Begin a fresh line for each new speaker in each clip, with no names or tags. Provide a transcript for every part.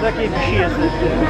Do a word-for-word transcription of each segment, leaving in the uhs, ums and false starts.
Takiej wsi jesteś.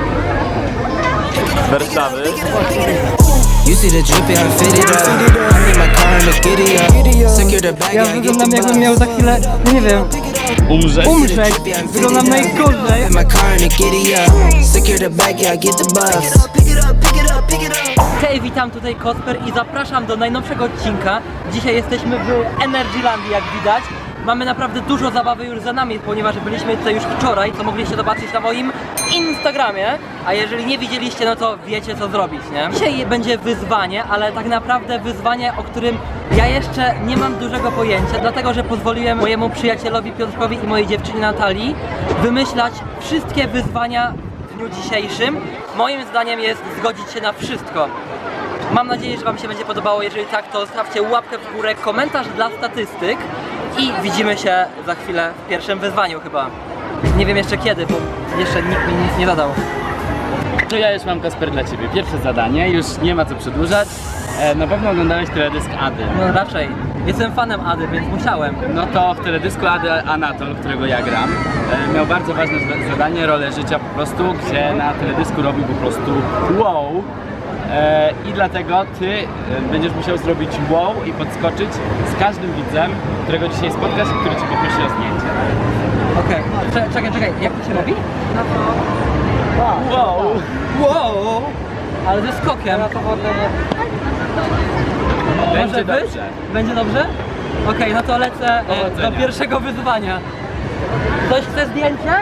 Z Warszawy.
You see the drippy, I fit it up. I need my car and the giddy up. Secure the bag,
Ja
I get
wyglądam
the
jakbym miał za chwilę, no nie wiem,
Umrzeć.
umrzeć. Wyglądam najgorzej.
my car and the giddy up. Secure the bag, I get the bus. Pick it up, pick it up, pick it up.
Hej, witam, tutaj Kosper i zapraszam do najnowszego odcinka. Dzisiaj jesteśmy w Energylandii, jak widać. Mamy naprawdę dużo zabawy już za nami, ponieważ byliśmy tutaj już wczoraj, co mogliście zobaczyć na moim Instagramie. A jeżeli nie widzieliście, no to wiecie, co zrobić, nie? Dzisiaj będzie wyzwanie, ale tak naprawdę wyzwanie, o którym ja jeszcze nie mam dużego pojęcia, dlatego że pozwoliłem mojemu przyjacielowi Piotrkowi i mojej dziewczynie Natalii wymyślać wszystkie wyzwania w dniu dzisiejszym. Moim zdaniem jest zgodzić się na wszystko. Mam nadzieję, że wam się będzie podobało. Jeżeli tak, to zostawcie łapkę w górę, komentarz dla statystyk i widzimy się za chwilę w pierwszym wyzwaniu chyba. Nie wiem jeszcze kiedy, bo jeszcze nikt mi nic nie zadał.
To ja już mam, Kasper, dla Ciebie pierwsze zadanie, już nie ma co przedłużać. E, na pewno oglądałeś teledysk Ady.
No raczej. Jestem fanem Ady, więc musiałem.
No to w teledysku Ady Anatol, którego ja gram, e, miał bardzo ważne za- zadanie, rolę życia po prostu, gdzie na teledysku robił po prostu wow. E, I dlatego Ty e, będziesz musiał zrobić wow i podskoczyć z każdym widzem, którego dzisiaj spotkasz i który Cię poprosi o zdjęcie.
Okej, okay. Czekaj, czekaj, jak to się robi?
Wow!
Wow! Ale ze skokiem.
Będzie
Może być?
dobrze.
Będzie dobrze? Okej, no to lecę e,
Powodzenia.
do pierwszego wyzwania. Ktoś chce zdjęcie?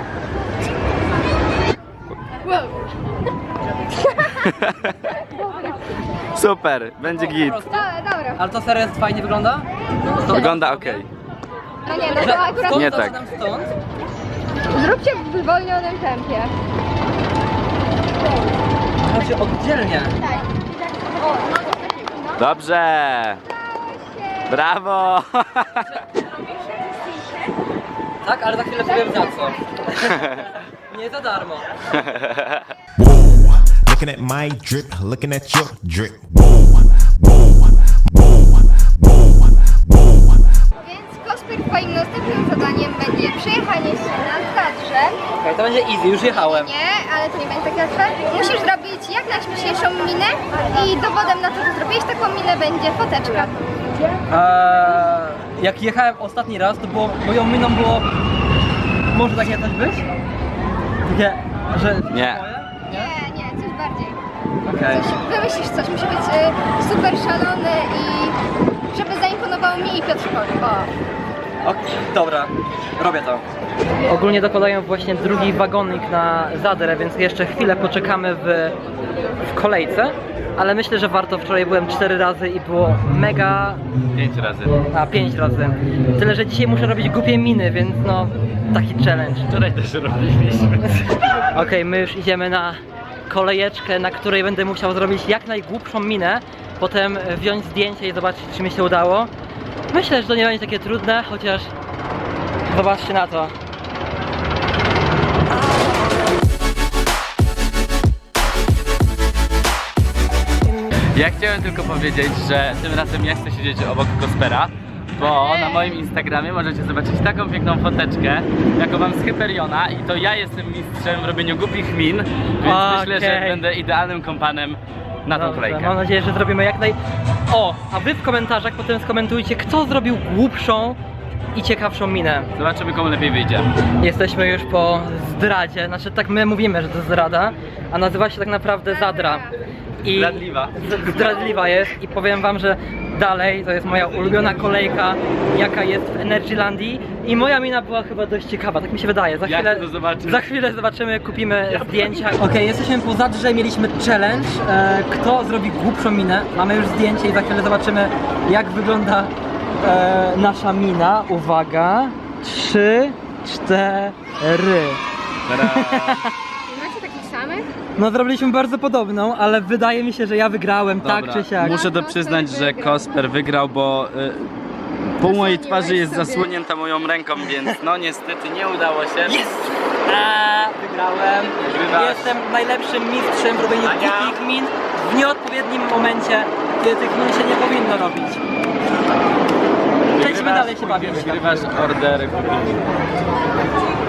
Super, będzie git.
Dobra, dobra.
Ale to serio jest fajnie wygląda? To
Wygląda ok.
No nie, no
Że
to akurat
stąd
Nie tak.
zaczynam stąd?
zróbcie w zwolnionym tempie.
Znaczy oddzielnie.
Dobrze. Brawo.
Tak, ale za chwilę powiem za co. Nie za darmo.
Whoa, looking at my drip, looking at your drip. Whoa, whoa, whoa, whoa, whoa.
Więc Kosper, twoim następnym zadaniem będzie przejechanie się na Zadrze.
Okej, to będzie easy, już jechałem.
Nie, ale to nie będzie tak łatwe. Musisz zrobić jak najśmieszniejszą minę i dowodem na to, że zrobiłeś taką minę, będzie foteczka.
Eee, jak jechałem ostatni raz, to było, moją miną było... Może takie coś być? Takie, że...
Nie.
Nie, nie, coś bardziej.
Okej.
Coś, wymyślisz coś, musi być y, super szalony i żeby zaimponował mi i Piotrkowi. O.
Ok, dobra, robię to. Ogólnie dokładają właśnie drugi wagonik na Zadrę, więc jeszcze chwilę poczekamy w, w kolejce. Ale myślę, że warto. Wczoraj byłem cztery razy i było mega...
Pięć razy.
A, pięć razy. Tyle, że dzisiaj muszę robić głupie miny, więc no... Taki challenge.
Wczoraj też robiliśmy.
Okej, my już idziemy na kolejeczkę, na której będę musiał zrobić jak najgłupszą minę. Potem wziąć zdjęcie i zobaczyć, czy mi się udało. Myślę, że to nie będzie takie trudne, chociaż... Zobaczcie na to.
Ja chciałem tylko powiedzieć, że tym razem ja chcę siedzieć obok Kospera, bo na moim Instagramie możecie zobaczyć taką piękną foteczkę, jaką mam z Hyperiona i to ja jestem mistrzem w robieniu głupich min, więc myślę, że
Okej.
będę idealnym kompanem na tą
Dobrze,
kolejkę.
mam nadzieję, że zrobimy jak naj... O! A wy w komentarzach potem skomentujcie, kto zrobił głupszą i ciekawszą minę.
Zobaczymy, komu lepiej wyjdzie.
Jesteśmy już po zdradzie, znaczy tak my mówimy, że to zdrada, a nazywa się tak naprawdę Zadra. I
Zdradliwa.
z- Zdradliwa jest i powiem wam, że dalej to jest moja ulubiona kolejka, jaka jest w Energylandii i moja mina była chyba dość ciekawa, tak mi się wydaje. Za
Ja
chwilę,
chcę to zobaczyć.
za chwilę zobaczymy, kupimy zdjęcia. Okej, jesteśmy po Zadrze, mieliśmy challenge, e, kto zrobi głupszą minę. Mamy już zdjęcie i za chwilę zobaczymy, jak wygląda e, nasza mina. Uwaga, trzy, cztery.
Macie takich samych?
No zrobiliśmy bardzo podobną, ale wydaje mi się, że ja wygrałem, tak czy siak.
Muszę to przyznać, że Kosper wygrał, bo y, pół mojej twarzy jest
sobie.
zasłonięta moją ręką, więc no niestety nie udało się.
Jest! A, wygrałem.
Wygrywasz.
Jestem najlepszym mistrzem w robieniu
Ania.
głupich min w nieodpowiednim momencie, kiedy tych min się nie powinno robić. Przejdźmy dalej się bawić.
Wygrywasz order.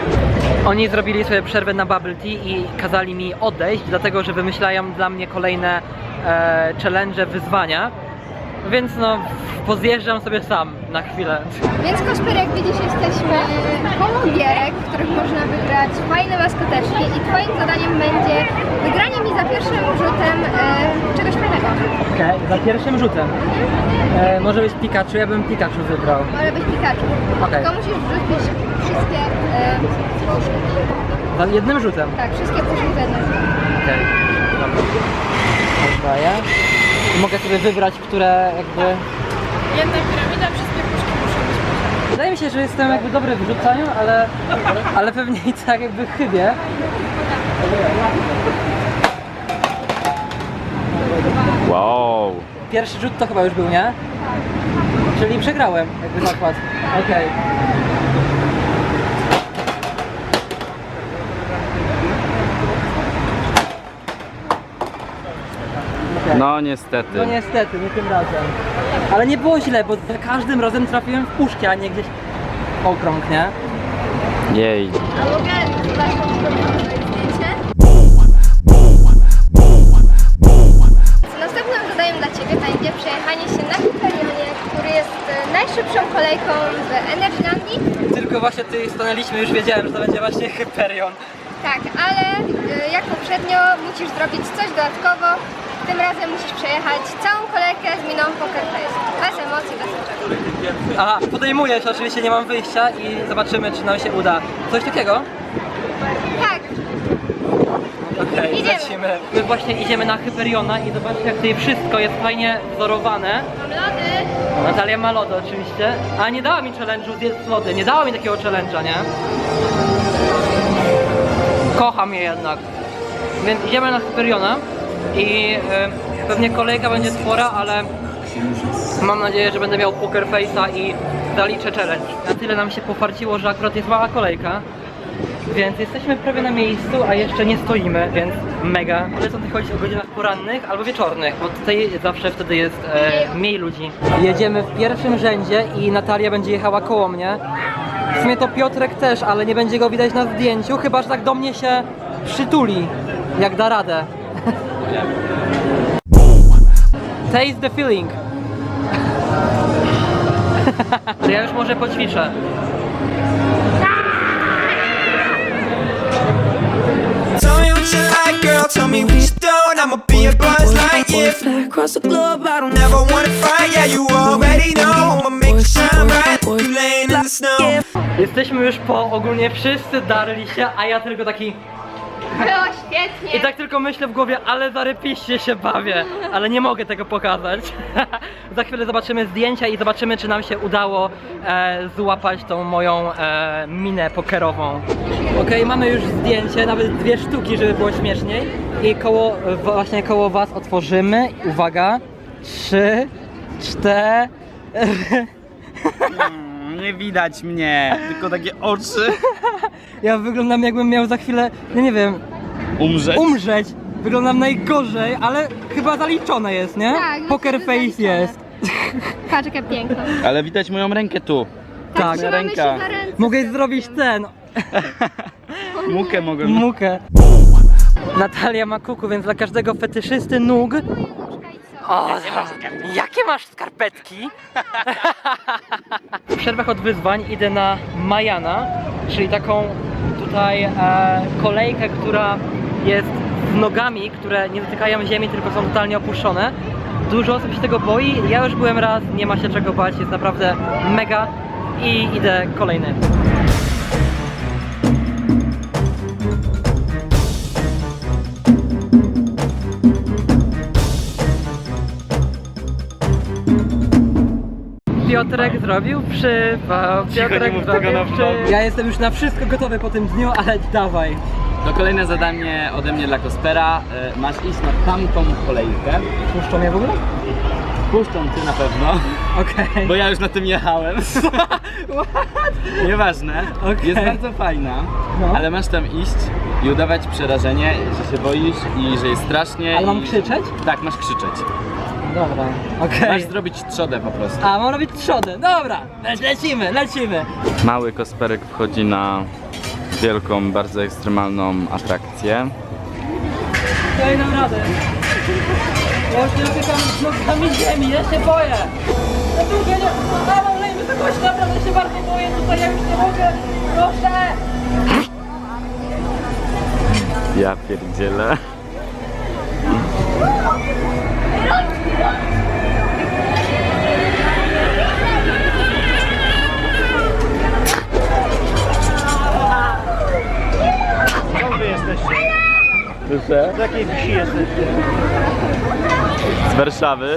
Oni zrobili sobie przerwę na bubble tea i kazali mi odejść, dlatego że wymyślają dla mnie kolejne e, challenge, wyzwania. Więc no, pozjeżdżam sobie sam na chwilę.
Więc Kosper, jak widzisz, jesteśmy koło gierek, w których można wygrać fajne maskoteczki i twoim zadaniem będzie wygranie mi za pierwszym rzutem e, czegoś fajnego.
Okej, okay, za pierwszym rzutem. E, może być Pikachu, ja bym Pikachu wybrał.
Może być Pikachu.
Okej.
Tylko musisz wrzucić wszystkie e, puszki.
Za jednym rzutem?
Tak, wszystkie puszki za jednym rzutem.
Okej, okay. Dobra. I mogę sobie wybrać, które jakby...
Jedna piramida, wszystkie puszki muszą być poziome.
Wydaje mi się, że jestem jakby dobry w rzucaniu, ale, ale pewnie i tak jakby chybię.
Wow.
Pierwszy rzut to chyba już był, nie? Czyli przegrałem jakby zakład. Okej. Okay.
No niestety.
No niestety, nie tym razem. Ale nie było źle, bo za każdym razem trafiłem w puszkę, a nie gdzieś w okrąg, nie?
Jej.
A mogę zobaczyć zdjęcie? Następnym zadaniem dla Ciebie będzie przejechanie się na Hyperionie, który jest e, najszybszą kolejką w Energylandii.
Tylko właśnie tutaj stanęliśmy, już wiedziałem, że to będzie właśnie Hyperion.
Tak, ale e, jak poprzednio musisz zrobić coś dodatkowo. Tym razem musisz przejechać całą kolejkę z miną Poker Face. Bez emocji, bez niczego.
Aha, podejmuję się, oczywiście nie mam wyjścia i zobaczymy, czy nam się uda. Coś takiego?
Tak,
Okej, okay,
Idziemy.
lecimy. My właśnie idziemy na Hyperiona i zobaczcie, jak tutaj wszystko jest fajnie wzorowane.
mam lody.
Natalia ma lody oczywiście, a nie dała mi challenge'u zjedz lody, nie dała mi takiego challenge'a, nie? Kocham je jednak. Więc idziemy na Hyperiona i y, pewnie kolejka będzie spora, ale mam nadzieję, że będę miał Poker Face'a i zaliczę challenge. Na tyle nam się pofarciło, że akurat jest mała kolejka. Więc jesteśmy prawie na miejscu, a jeszcze nie stoimy, więc mega. Polecam tutaj chodzić o godzinach porannych albo wieczornych, bo tutaj zawsze wtedy jest e, mniej ludzi. Jedziemy w pierwszym rzędzie i Natalia będzie jechała koło mnie. W sumie to Piotrek też, ale nie będzie go widać na zdjęciu, chyba że tak do mnie się przytuli, jak da radę. Taste the feeling. To ja już może poćwiczę.
Tell me what you like, girl. Tell me what you don't. I'ma be a buzz like you. Fly across the globe, I don't
Never wanna fight, yeah, you already know. I'ma make you shine bright. You laying in the snow.
Jesteśmy już po, ogólnie wszyscy darli się, a ja tylko taki...
Było świetnie.
I tak tylko myślę w głowie, ale zarypiście się bawię, ale nie mogę tego pokazać. Za chwilę zobaczymy zdjęcia i zobaczymy, czy nam się udało e, złapać tą moją e, minę pokerową. Okej, mamy już zdjęcie, nawet dwie sztuki, żeby było śmieszniej. I koło, właśnie koło was otworzymy. Uwaga, trzy, cztery.
Mm, nie widać mnie, tylko takie oczy.
Ja wyglądam, jakbym miał za chwilę, no nie wiem,
Umrzeć?
umrzeć. Wyglądam najgorzej, ale chyba zaliczone jest, nie?
Tak, no
Poker
to
face
zaliczone.
jest.
Patrz, jaka piękna.
Ale widać moją rękę tu.
Tak.
Trzymamy
ręka.
się za ręce.
Mogę zrobić ten,
Mukę mogę.
mukę. Natalia ma kuku, więc dla każdego fetyszysty nóg. O, jakie masz skarpetki? W przerwach od wyzwań idę na Majana, czyli taką tutaj e, kolejkę, która jest z nogami, które nie dotykają ziemi, tylko są totalnie opuszczone. Dużo osób się tego boi, ja już byłem raz, nie ma się czego bać, jest naprawdę mega i idę kolejny. Piotrek zrobił przypał, Piotrek
nie mów
zrobił
tego na
przypał. Ja jestem już na wszystko gotowy po tym dniu, ale dawaj.
To kolejne zadanie ode mnie dla Kospera. E, Masz iść na tamtą kolejkę.
Puszczą mnie w ogóle?
Puszczą cię na pewno,
Okej.
bo ja już na tym jechałem. Nieważne.
Okej.
Jest bardzo fajna,
No.
ale masz tam iść i udawać przerażenie, że się boisz i że jest strasznie.
Ale mam
i...
krzyczeć?
Tak, masz krzyczeć.
Dobra, okej.
Masz zrobić trzodę po prostu.
A, mam robić trzodę, dobra, le lecimy, lecimy.
Mały Kosperek wchodzi na
wielką, bardzo ekstremalną atrakcję.
Ja dam radę. Ja już nie dotykam nogami ziemi, ja się boję. Ja tu nie... A, mam lej wysokości, naprawdę się bardzo boję, tutaj ja już nie mogę. Proszę!
Ja pierdzielę.
Skąd wy jesteście?
Proszę?
Z jakiej wsi jesteście?
Z Warszawy.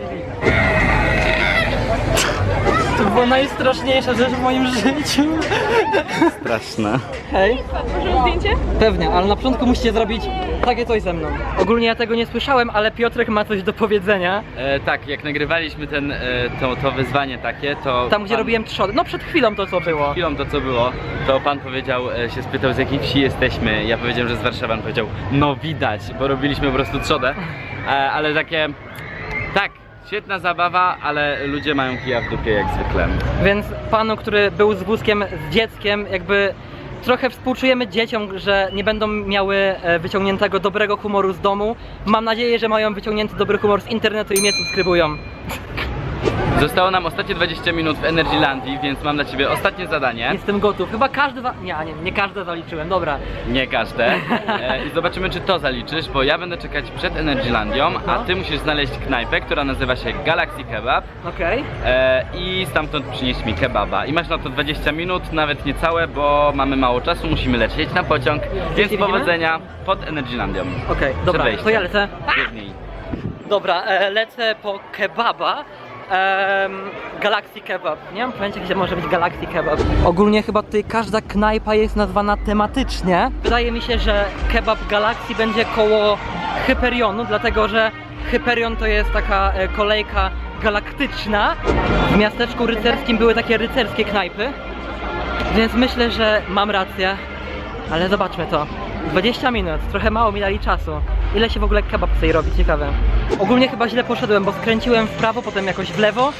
To była najstraszniejsza rzecz w moim życiu.
Straszne.
Hej.
Możemy zdjęcie?
Pewnie, ale na początku musicie zrobić takie coś ze mną. Ogólnie ja tego nie słyszałem, ale Piotrek ma coś do powiedzenia.
E, tak, jak nagrywaliśmy ten, e, to, to wyzwanie takie, to...
Tam, gdzie
pan-
robiłem trzody. No przed chwilą to co było.
chwilą to co było, to pan powiedział, e, się spytał z jakiej wsi jesteśmy. Ja powiedziałem, że z Warszawy. On powiedział, no widać, bo robiliśmy po prostu trzodę. E, ale takie, tak, świetna zabawa, ale ludzie mają kija w dupie jak zwykle.
Więc panu, który był z wózkiem z dzieckiem, jakby trochę współczujemy dzieciom, że nie będą miały e, wyciągniętego dobrego humoru z domu. Mam nadzieję, że mają wyciągnięty dobry humor z internetu i mnie subskrybują.
Zostało nam ostatnie dwadzieścia minut w Energylandii, więc mam dla ciebie ostatnie zadanie.
Jestem gotów. Chyba każdy... Za... Nie, nie, nie każde zaliczyłem, dobra.
Nie każde. E, I zobaczymy, czy to zaliczysz, bo ja będę czekać przed Energylandią, a
No.
ty musisz znaleźć knajpę, która nazywa się Galaxy Kebab.
Okej.
E, I stamtąd przynieść mi kebaba. I masz na to dwadzieścia minut, nawet niecałe, bo mamy mało czasu, musimy lecieć na pociąg. Więc
widzimy?
powodzenia pod Energylandią.
Okej, dobra,
wejściem.
to ja lecę.
Biegnij.
Dobra, e, lecę po kebaba. Em, Galaxy Kebab. Nie mam pojęcia, gdzie może być Galaxy Kebab. Ogólnie chyba tutaj każda knajpa jest nazwana tematycznie. Wydaje mi się, że kebab Galaxy będzie koło Hyperionu, dlatego że Hyperion to jest taka e, kolejka galaktyczna. W miasteczku rycerskim były takie rycerskie knajpy. Więc myślę, że mam rację. Ale zobaczmy to. dwadzieścia minut, trochę mało mi dali czasu. Ile się w ogóle kebab tutaj robi? Ciekawe. Ogólnie chyba źle poszedłem, bo skręciłem w prawo, potem jakoś w lewo.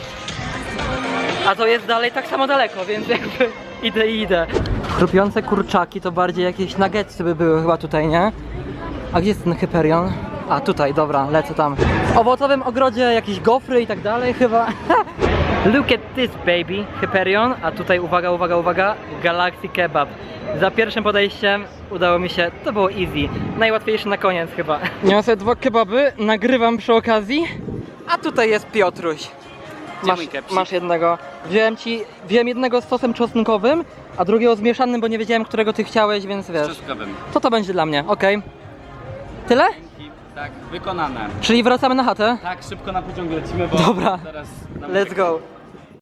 A to jest dalej tak samo daleko, więc jakby idę i idę. Chrupiące kurczaki to bardziej jakieś nuggetsy by były chyba tutaj, nie? A gdzie jest ten Hyperion? A tutaj, dobra, lecę tam. W owocowym ogrodzie jakieś gofry i tak dalej chyba. Look at this baby, Hyperion, a tutaj uwaga, uwaga, uwaga, Galaxy Kebab. Za pierwszym podejściem udało mi się, to było easy. Najłatwiejsze na koniec chyba. Niosę dwa kebaby, nagrywam przy okazji, a tutaj jest Piotruś. Masz,
mój kepsik?
masz jednego. Wziąłem ci, wziąłem jednego z sosem czosnkowym, a drugiego z mieszanym, bo nie wiedziałem, którego ty chciałeś, więc wiesz.
Czosnkowym.
To to będzie dla mnie, okej. Tyle?
Tak, wykonane.
Czyli wracamy na chatę?
Tak, szybko na pociąg lecimy, bo
Dobra.
zaraz... nam-
Let's go.